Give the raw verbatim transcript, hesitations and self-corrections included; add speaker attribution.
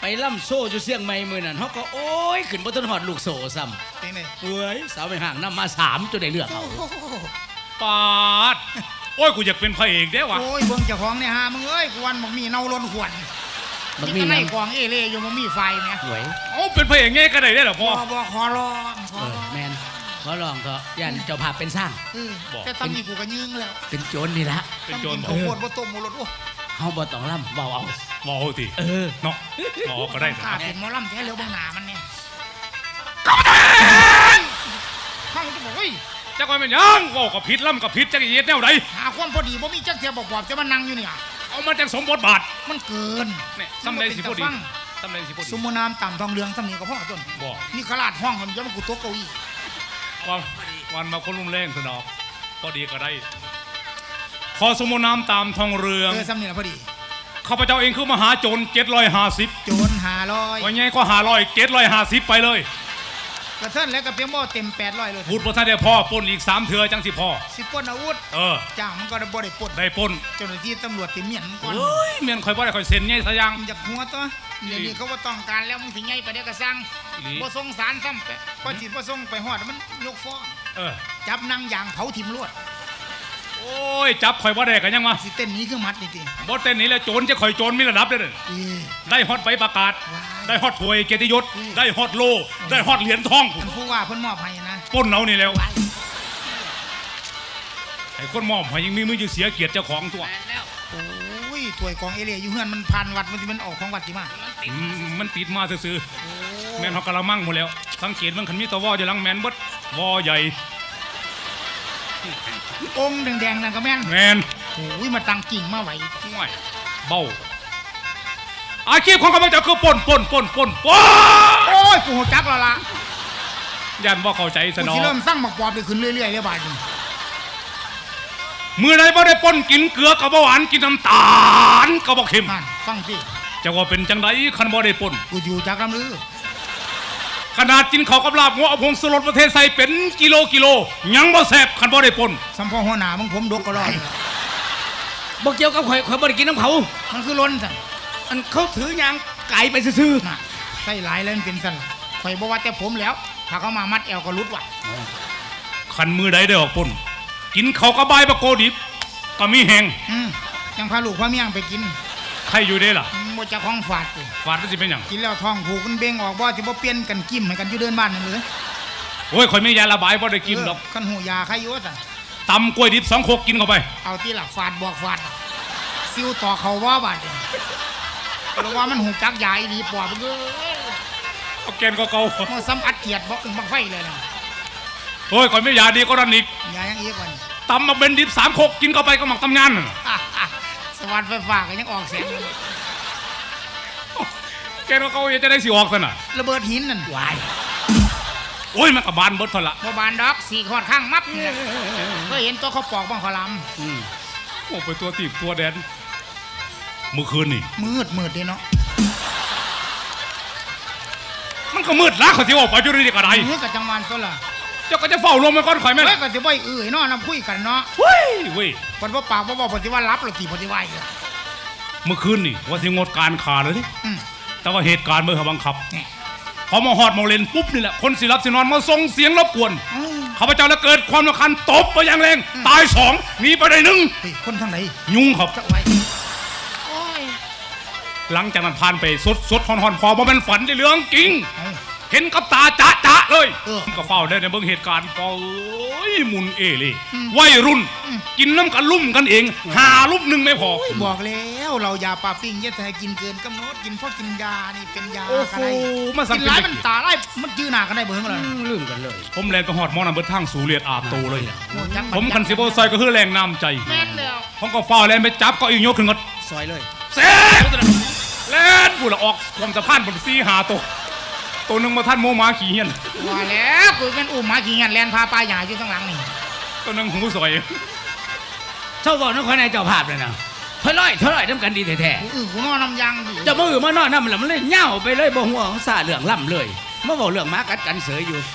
Speaker 1: ไปล่ำโซ่อยู่เสียงใหม่มือนั่นเขาก็โอ้ยขึ้นบนต้นหอดลูกโซ่ซ้ำ
Speaker 2: เป็นไง
Speaker 1: เฮ้ยสาวไปห่างน้ำมาสามจนได้เลือกเอา
Speaker 3: ปาดโอ้ยกูอยากเป็นพระเอกเด้วะ
Speaker 2: โอ้ยเบิ่งเจ้าของเนี่ยฮะมึงเอ้ยกวนบอกมีเนาล้นหวน
Speaker 1: มัน
Speaker 2: มี
Speaker 1: มี
Speaker 2: ไง
Speaker 1: น้ำ
Speaker 2: กองเอเล่อยู่มันมีไฟเนี่ย
Speaker 1: หวย
Speaker 3: โอ้เป็นพระเอกไงก็ได้ได้หรอ
Speaker 2: พ
Speaker 3: พ่อ
Speaker 2: อบอกขอร้องข
Speaker 1: เอ
Speaker 2: อ
Speaker 1: อ
Speaker 2: ร้อง
Speaker 1: แมนขอลองก็ยันเจ้าภาพเป็นสร้าง
Speaker 2: เออแต่ตอนนี้กูก็ยืงแล้ว
Speaker 1: เป็นโจรนี่ละ
Speaker 3: เป็นโจร
Speaker 2: ตำกินข้าวโพดบ่ต้มบ่รสโอ้
Speaker 1: เฮาบ่ต้องล่ำเบาเอา
Speaker 3: มอเอาติ
Speaker 1: เออ
Speaker 3: เนาะมอก็ได้
Speaker 2: ข้าเป็นหมอลำแท้เร็วบางหนามันเนี่ยข้างจะบอกเฮ้ย
Speaker 3: จักว่าเป็นยังว่ากับพิษล่ำกับพิษจักรเย็ดแนวใด
Speaker 2: หาความพอดีบ่มีจักเทียบอกบอกจะมานั่งอยู่เนี่ย
Speaker 3: เอามาจากสมบทบาท
Speaker 2: มันเกิน
Speaker 3: เนี่ยซ้ำใดสิพอดีซ้ำใดสิพอดี
Speaker 2: สมมุติน้ำต่ำทองเหลืองสำนีก็พ่อต้น
Speaker 3: บอก
Speaker 2: นี่ขลาดห้องมันจะมากูโต๊ะเก้าอี้
Speaker 3: วันวันมาคนรุ่มแรงสนอกพอดีก็ได้ขอสมุนน้ำตามทองเรือง
Speaker 2: เออสำนีละพอดี
Speaker 3: ข้าพเจ้าเองคือมหาโจรเจ็ดร้อยห้าสิบ
Speaker 2: โจรหาร้อย
Speaker 3: วันนี้ก็หาร้อยเจ็ดร้อยห้าสิบไปเลย
Speaker 2: กระเทินแล้วก็เพียงบ่เต็มแปดร้อยเลย
Speaker 3: พูดพระท่านได้พ่อปนอีกสามเถื่อจังสิพ่อ
Speaker 2: สิปล้นอาวุธ
Speaker 3: เออ
Speaker 2: จ้างมันก็ได้บ่ได้ปล้น
Speaker 3: ได้ปน
Speaker 2: เจ้าหน้าที่ตำรวจที่เมียนก่อน
Speaker 3: เฮ้ยเมียนคอยบ่ได้คอยเซ็นไงซะยัง
Speaker 2: มันจะหัวตัวเดี๋ยวนี้เขาว่าต้องการแล้วมึงสิไงไปเดี๋ยวก็สั่ง
Speaker 3: อีหลี
Speaker 2: บ่ส่งสารซ้ำไปพอจิตบ่ส่งไปฮอดมันยกฟ้อง
Speaker 3: เออ
Speaker 2: จับนางยางเผาถิ่มลวด
Speaker 3: โอ้ยจับคอยบ่ได้กันยังวะ
Speaker 2: สิเต้นหนี้คือมัดนี่ติ
Speaker 3: บ่เต้นนี้แล้วโจรจะคอยโจรมีระดับเด้อเด้อ
Speaker 2: เออ
Speaker 3: ได้ฮอตใบประกาศ
Speaker 2: ว้าว
Speaker 3: ได้ฮอตถวยเกียรติยศ
Speaker 2: อืม
Speaker 3: ได้ฮอตโล ได้ฮอตเหรียญทอง
Speaker 2: ท่านผู้ว่าเพิ่นมอบให้นะ
Speaker 3: ปล้นเอานี่แล้ว
Speaker 2: ว้าย
Speaker 3: ไอ้คนมอบให้ยังมีมืออยู่เสียเกียรติเจ้าของตัว
Speaker 2: โอ้ยถ้วยกองเอเลียอยู่เฮือนมันผ่านวัดมันสิมันออกของวัดสิมา
Speaker 3: อืมมันติดมาซื่อๆแม่นเฮากะละมังหมดแล้ว สังเกตมันคันมีตะวออยู่หลังแม่นเบิดวอใหญ่
Speaker 2: องค์แดงๆนั่นก็แม่น
Speaker 3: แม่น
Speaker 2: โอ้ยมาตั้งกิ่งมาไว้
Speaker 3: ห่วยเบ้าอาชีพของข้าพเจ้าคือปล้นปล้นปล้นปล้นปล้น
Speaker 2: โอ้ยกูหัวจักแล้วล่ะ
Speaker 3: ยันว่าเข้าใจส
Speaker 2: กู
Speaker 3: นอ
Speaker 2: สิเริ่มสร้างหมักปอบได้ขึ้นเรื่อยๆเลยบาดนี้
Speaker 3: มือใดบ่ได้ปล้นกินเกลือกับหวานกินน้ำตาลกับบ่เค็ม
Speaker 2: นั่นฟังสิ
Speaker 3: จะว่าเป็นจังไดคันบ่ได้ปล้น
Speaker 2: กูอยู่จักลำลือ
Speaker 3: ขนาดกินข้าวกับลาบงัวเอาผงสลดประเทศใส่เป็นกิโลกิโลยังบ่แซ่บคันบ่ได้ปล้น
Speaker 2: สัมพอหัวหน้ามึงผมดกก็รอด
Speaker 1: บ่เกี่ยวกับข่อยข่อยบ่ได้กินน้ำเขา
Speaker 2: มันคือล้นสั่น
Speaker 1: อันเขาถือยางไก่ไปซื่อ
Speaker 2: น่ะใส่หลายแล้วมันเป็นสั่นล่ะข่อยบอกว่าแต่ผมแล้ว ถ้าเขามามัดแอวก็รุดว่ะ
Speaker 3: คันมือใดได้ออกปล้นกินข้าวกับใบายบะโกดิบก็มีแหง
Speaker 2: อืมยังพาลูกพาเมียงไปกิน
Speaker 3: ใครอยู่ได้ล่ะ
Speaker 2: อืมบ่จะของฝาดสิ
Speaker 3: ฟาดมันสิเป็นหยัง
Speaker 2: กินแล้วท้องผูกมันเบ่งออกบ่สิบ่เปลี่ยนกันกิ้มให้กันอยู่เดินบ้านนั่นเลย
Speaker 3: โอ้ยข่อยมียาระบายบ่ได้กินดอก
Speaker 2: คันหูยาใครอยู่สั่น
Speaker 3: ตำกล้วยดิบสองโคกกินเข้าไป
Speaker 2: เอาที่ละฝาดบอกฝาดล่ะซิวต่อเขาว่าบาดเนี่ยเพราะว่ามันหูจักยาอีหลีปอบมันเอ้ย
Speaker 3: เอาแกนก็เก่า
Speaker 2: มันซ้ำอัดเกียดบ่อึ้งบังไฟเลยนะ
Speaker 3: โอ้ยข่อยไม่ยาดีก็นั่นอีก
Speaker 2: ยายังอีกว่านี่
Speaker 3: ตำมาเป็นดิบสามโคกกินเข้าไปก็หมักตำงานนั่น
Speaker 2: สวัสดิ์ไฟฟ้าก็ยังออกเสียงอยู่
Speaker 3: แกนก็เก่าจะได้สิออกซะน่ะ
Speaker 2: ระเบิดหินนั่น
Speaker 1: ๆวาย
Speaker 3: โอ้ยมันก็บานเบิดเท่าละ
Speaker 2: บ่บานดอกสี่ขอดข้างมับเนี่ยเคยเห็นตัวเขาปอกบ้างขอล
Speaker 1: อืม
Speaker 3: โอ้ไปตัวตีบตัวแดนเมื่อคืนนี่
Speaker 2: ำมืดมืดดีเนาะ
Speaker 3: มันก็มืดละเขาสิออกไปอยู่นี่ก็ได้
Speaker 2: มืดกับจังหวัดตัวละ
Speaker 3: เจ้าก็จะเฝ้ารวมมันก่อนข่อยแม่น
Speaker 2: เฮ้ยก็สิบ่อยเอื่อยเนาะนำคุยกันเนาะ
Speaker 3: เฮ้ยเว้ย
Speaker 2: คนว่าปากว่าบอกปฏิว่ารับหรือตีปฏิว่าอีกล่ะ
Speaker 3: เมื่อคืนนี่ว่าสิงดการขาเลยดิ
Speaker 2: อืม
Speaker 3: แต่ว่าเหตุการณ์เมื่อเขาบังคับ
Speaker 2: เนี่ย
Speaker 3: พอมาหอดมาเลนปุ๊บนี่แหละคนสิรับสินอนมาส่งเสียงรบกวน
Speaker 2: อืม
Speaker 3: ข้าพเจ้าแล้วเกิดความรำคาญตบไปอย่างแรงตายสองหนีไปได้หนึ่ง
Speaker 2: เฮ้ยคนทางไหน
Speaker 3: ยุงครับ
Speaker 2: จะไว้โอ้ย
Speaker 3: หลังจากนั้นผ่านไปสดสดหอนหอนพอบ่เป็นฝันในเรื่องจริง
Speaker 2: เอา
Speaker 3: เห็นกับตาจะจะเลย
Speaker 2: เออ
Speaker 3: ก็เฝ้าได้ในเบื้องเหตุการณ์ก็เอ้ยมุนเอเลย
Speaker 2: อืม
Speaker 3: วัยรุ่น
Speaker 2: อืม
Speaker 3: กินน้ำกันลุ่มกันเอง หาลุ่มหนึ่งไม่พอ
Speaker 2: บอกแล้วเรายาปลาปิ้งเยอะให้กินเกินกำหนดกินเพราะกินยานี่เป็นยา
Speaker 3: โอ้
Speaker 2: อะ
Speaker 3: โห
Speaker 2: ไร
Speaker 3: มาสั่
Speaker 2: กิ
Speaker 3: ง
Speaker 2: น
Speaker 3: เป็น
Speaker 2: ร้าย
Speaker 3: เด็
Speaker 2: มัน
Speaker 3: ก
Speaker 2: ตาไล่มันจื้อหน้ากันได้เบิ่งเลย
Speaker 1: ลืมกันเลย
Speaker 3: ผมแลนไปหอดหมอนันเบิดทางสู่เลียดอาบโตเลย
Speaker 2: โอ้จัก
Speaker 3: ผมกันสิบโอซอยก็คือแรงน้ำใจ
Speaker 2: แม่นแล้ว
Speaker 3: ผมก็เฝ้าแลนไปจับก็อีกยกขึ้นก็
Speaker 1: ซอยเลย
Speaker 3: เซ่แลนพูดละออกความสะพานบนซีหาตัวตัวหนึ่งมาท่านโมมาขี่เฮียน
Speaker 2: ว่าแล้วกูเป็นอุ้มหมาขี่เงี้ยแลนพาปลาใหญ่อยู่ข้างหลังนี่
Speaker 3: ตัวหนึ่งหูสวย
Speaker 1: เจ้าบอกนักข่อยในเจ้าภาพเลยนะเท่าร้อยเท่าร้อยน้ำกันดีแท้
Speaker 2: กูอื้อกูนอนน้ำยางดี
Speaker 1: ๆเจ้ามือมานอนน้ำแล้วมันเลยเหย้าไปเลยบ่หัวของซาเรื่องล่ำเลยมาบอกเรื่องหมากัดกันเสยอยู่